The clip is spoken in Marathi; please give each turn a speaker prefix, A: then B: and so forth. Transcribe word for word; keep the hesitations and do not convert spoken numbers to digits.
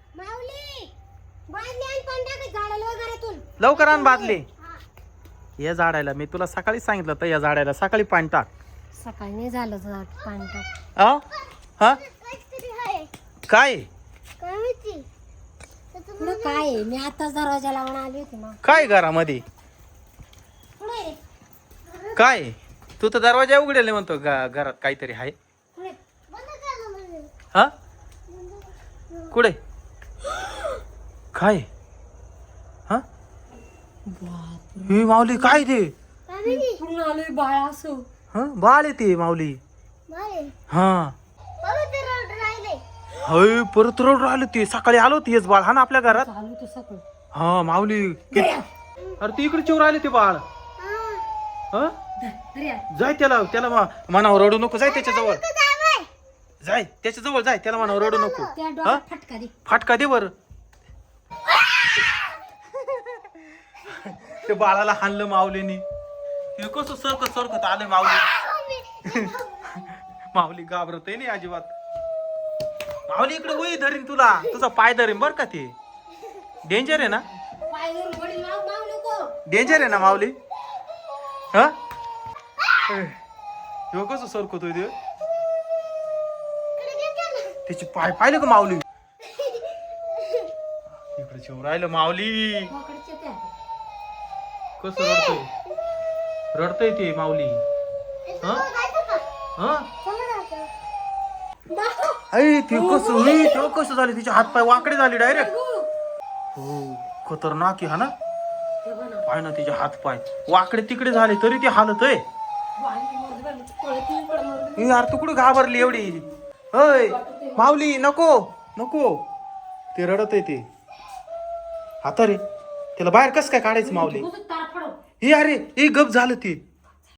A: लवकर आण बादली. या झाडाला मी तुला सकाळी सांगितलं तर या झाडाला सकाळी पाणी टाक.
B: सकाळी नाही झालं झाड पाणी टाक.
A: आ? हा काय
B: पुढं काय आहे? मी आताच दरवाजा लावून आली होती ना.
A: काय घरामध्ये
B: पुढे
A: काय? तू तर दरवाजा उघडेल म्हणतो गा- घरात काहीतरी आहे.
B: पुढे
A: हा कुठे काय? हा ही माऊली काय ते?
B: पूर्ण आलोय बाळा असं.
A: हा बाळ येते माऊली. हा हय परत रड राहिलं ते. सकाळी आलो तेच बाळ हा ना आपल्या घरात.
B: चालू तर सगळं.
A: हा माऊली कि- अरे तू इकडे चिवर आले ते बाळ. हा जाय त्याला त्याला मा- मनावर रडू नको. जाय त्याच्या जवळ जाय त्याच्या जवळ जाय त्याला मनावर रडू नको.
B: त्या
A: हा
B: डोक्यात फटका दे.
A: फाटका दे बर. ते बाळाला हाणलं माऊलीनी. हे कसं सरकत सरकत आलं माऊली. माऊली घाबरत नाही अजिबात. माऊली इकडे वही धरीन तुला. तुझा पाय धरीन बर का. ते डेंजर आहे ना.
B: पाय धरून वडील माव माव नको.
A: डेंजर आहे ना माऊली. हा ह्यो कसं सरकतोय ते. त्याचे पाय पाहिले का माऊली. इकडे जेव राहिलं माऊली.
B: पकडचे त्या.
A: कसं रडतोय रडतोय ते माऊली. हा हा ऐ ते कसं होई ते कसं झाले. तिचे हात पाय वाकडे झाले डायरेक्ट. हो खतरनाक आहे हा ना.
B: ते बना.
A: पाय ना तिचे हात पाय वाकडे तिकडे झाले तरी ते हालत आहे. ए यार तू कुठे घाबरली एवढी. होय माऊली नको नको. ते रडत आहे ते. आता रे त्याला बाहेर कसं काय काढायचं माऊली.
B: तार फाडव.
A: हे अरे ए गप झालं ते.